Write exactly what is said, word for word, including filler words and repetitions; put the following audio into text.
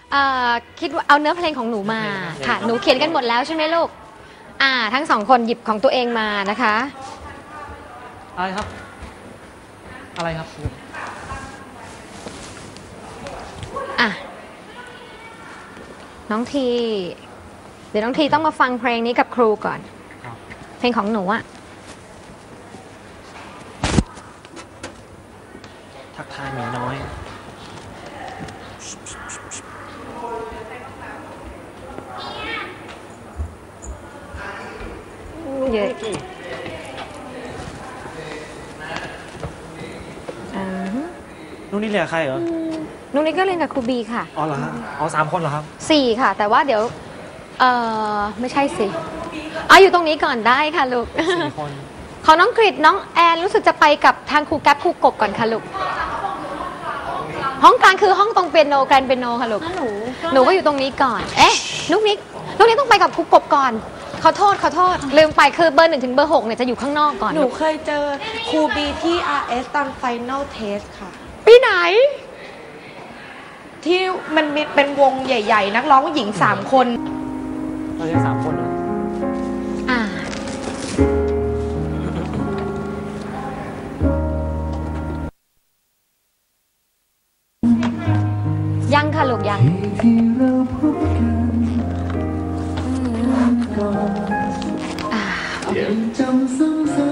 เอ่อคิดว่าเอาเนื้อเพลงของหนูมาค่ะหนูเขียนกันหมดแล้วใช่ไหมลูกอ่าทั้งสองคนหยิบของตัวเองมานะคะอะไรครับอะไรครับอ่ะน้องทีเดี๋ยวน้องทีต้องมาฟังเพลงนี้กับครูก่อนเพลงของหนูอะทักทายหมีน้อยเยอะนู่นนี่เรียกใครเหรอนุ่นนี่ก็เรียนกับครูบีค่ะอ๋อเหรอฮะอ๋อสามคนเหรอครับสี่ค่ะ แต่ว่าเดี๋ยวเออไม่ใช่สิอ๋ออยู่ตรงนี้ก่อนได้ค่ะลูกสี่คนของน้องกริดน้องแอนรู้สึกจะไปกับทางครูแก๊ปครูกบก่อนค่ะลูกห้องกลางคือห้องตรงเปียโนแกรนเปียโนค่ะลูกหนูหนูก็อยู่ตรงนี้ก่อนเอ๊ะลูกนิกลูกนิกต้องไปกับครูกบก่อนขอโทษขอโทษลืมไปคือเบอร์หนึ่งถึงเบอร์หกเนี่ยจะอยู่ข้างนอกก่อนหนูเคยเจอครูบีที่ อาร์ เอส ตอน Final Test ค่ะปีไหนที่มันมีเป็นวงใหญ่ๆนักร้องหญิงสามคนเราใช้สามคนเหรออ่ายังค่ะลูกยังอ่าโอเค